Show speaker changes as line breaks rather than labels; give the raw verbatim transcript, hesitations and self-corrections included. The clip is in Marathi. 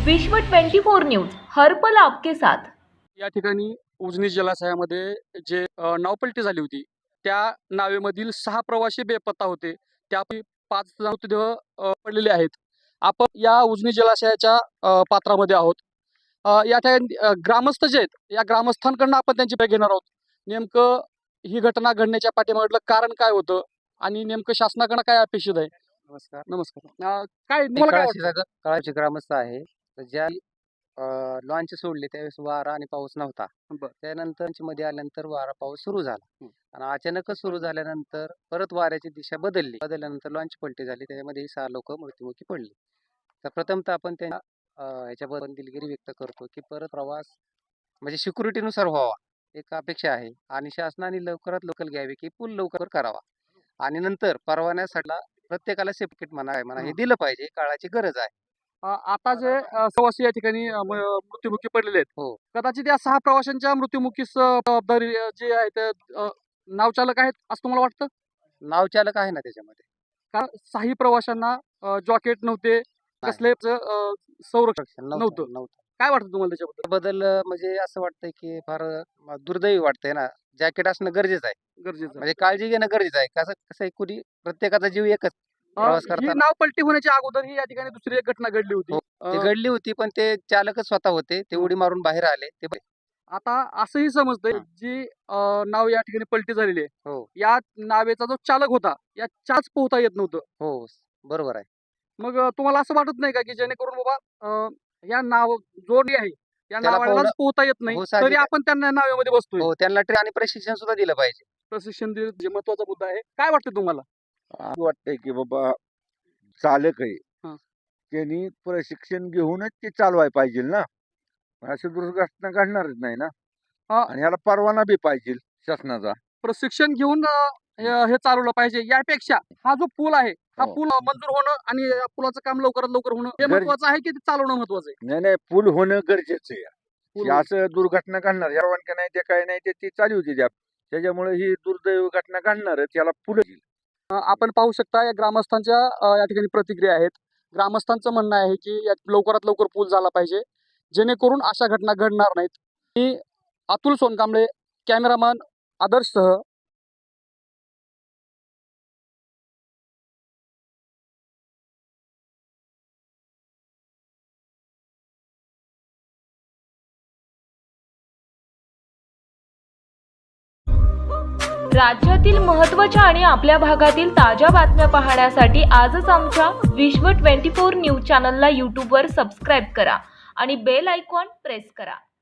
विश्व चोवीस न्यूज हर पल आपके साथ।
या ठिकाणी उजनी जलाशयामध्ये जे अ, नावपलटी झाली होती त्या नावेमधील सहा प्रवासी बेपत्ता होते. त्यापैकी पाच मृतदेह अ, पडलेले आहेत. आपण या उजनी जलाशयाच्या अ, पात्रामध्ये आहोत. अ, या ठिकाणी अ, ग्रामस्थ जे आहेत या ग्रामस्थांकडून आपण त्यांची भेट घेणार आहोत. नेमकं ही घटना घडण्याच्या पाठीमागलं कारण काय होतं आणि नेमकं शासनाकडनं काय अपेक्षित आहे?
नमस्कार.
नमस्कार. अ, काय
मी
तुम्हाला काय
कळाशी
वाटतं?
जागा कळाशी ग्रामस्थ आहे. तर ज्या लॉन्च सोडली त्यावेळेस वारा आणि पाऊस नव्हता.
बरं.
त्यानंतर मध्ये आल्यानंतर वारा पाऊस सुरू झाला
हं.
आणि अचानकच सुरू झाल्यानंतर परत वाऱ्याची दिशा बदलली. बदलल्यानंतर लॉन्च पलटी झाली. त्याच्यामध्ये सहा लोक मृत्युमुखी पडली. तर प्रथमतः आपण त्या अ, ह्याच्याबद्दल दिलगिरी व्यक्त करतो की परत प्रवास म्हणजे सिक्युरिटीनुसार व्हावा एक अपेक्षा आहे आणि शासनाने लवकरात लवकर घ्यावी की पूल लवकर करावा आणि नंतर परवान्यासाठी प्रत्येकाला सेफ्टी किट म्हणा काय म्हणा हे
हं.
दिलं पाहिजे. काळाची गरज आहे.
अ, आता जे अ, प्रवासी या ठिकाणी अ, म मृत्युमुखी पडलेले आहेत.
हो.
कदाचित या सहा प्रवाशांच्या मृत्युमुखीस अ, जबाबदारी अ, जी आहे ते अ, नावचालक आहेत असं तुम्हाला वाटतं?
नावचालक आहे ना त्याच्यामध्ये.
कारण सहाही प्रवाशांना अ, जॉकेट नव्हते,
नाही.
कसलेच अ, संरक्षण
नव्हतं
नव्हतं.
नव्हतं.
काय वाटतं तुम्हाला त्याच्याबद्दल?
बदल अ, म्हणजे असं वाटतंय की फार अ, दुर्दैवी वाटतंय ना. जॅकेट असणं गरजेचं आहे.
गरजेचं आहे.
म्हणजे काळजी घेणं गरजेचं आहे. कसं कसं आहे कुणी प्रत्येकाचा जीव एकच.
अ,
प्रवास
ही
करताना
नाव पलटी होण्याच्या अगोदर ही या ठिकाणी दुसरी एक घटना घडली होती.
हो.
अ,
ती घडली होती पण ते चालकच स्वतः होते. ते
हं.
उडी मारून बाहेर आले. ते बरे.
आता असंही समजतंय
हां.
जी अ, नाव या ठिकाणी पलटी झालेली आहे.
हो.
या नावेचा जो चालक होता, या चाच पोहता येत नव्हतं.
हो. बरोबर आहे.
मग अ, तुम्हाला असं वाटत नाही का, की जेणेकरून बाबा अ, या नाव जोडी आहे, या
त्याला
नावालाच
पोहणं
पोहता येत नाही,
हो
तरी
साहजिक आहे.
आपण त्यांना नावेमध्ये बसतोय.
हो त्यांना ट्रेन आणि प्रशिक्षण सुद्धा दिलं पाहिजे.
प्रशिक्षण देणं जे महत्त्वाचा मुद्दा आहे. काय वाटतं तुम्हाला?
असं वाटतंय की बाबा चालक आहे
हां.
त्यांनी प्रशिक्षण घेऊनच ते चालवाय पाहिजे ना. अशी दुर्घटना घडणारच नाही ना.
अ,
आणि ह्याला परवाना बी पाहिजे शासनाचा.
प्रशिक्षण घेऊन अ, हे हे चालवलं पाहिजे. यापेक्षा हा जो पूल आहे, हा
हो.
पूल मंजूर होणं आणि या पुलाचं काम लवकरात लवकर होणं हे
गरजे-
महत्त्वाचं आहे, की ते चालवणं महत्त्वाचं आहे?
नाही नाही पूल होणं गरजेचं आहे.
पूल
हे
होणं.
असं दुर्घटना घडणार यावर का नाही ते काय नाही ते ती चालू होती त्या त्याच्यामुळे ही दुर्दैवी घटना घडणारच याला पुढे
अ, आपण पाहू शकता या ग्रामस्थांच्या अ, या ठिकाणी प्रतिक्रिया आहेत. ग्रामस्थांचं म्हणणं आहे, की यात लवकरात लवकर पूल झाला पाहिजे, जेणेकरून अशा घटना घडणार नाहीत. मी अतुल सोनकांबळे, कॅमेरामन आदर्शसह
राज्यातील महत्त्वाच्या आणि आपल्या भागातील ताज्या बातम्या पाहण्यासाठी आजच आमच्या विश्व चोवीस न्यूज चॅनलला यूट्यूबवर सबस्क्राईब करा आणि बेल आयकॉन प्रेस करा.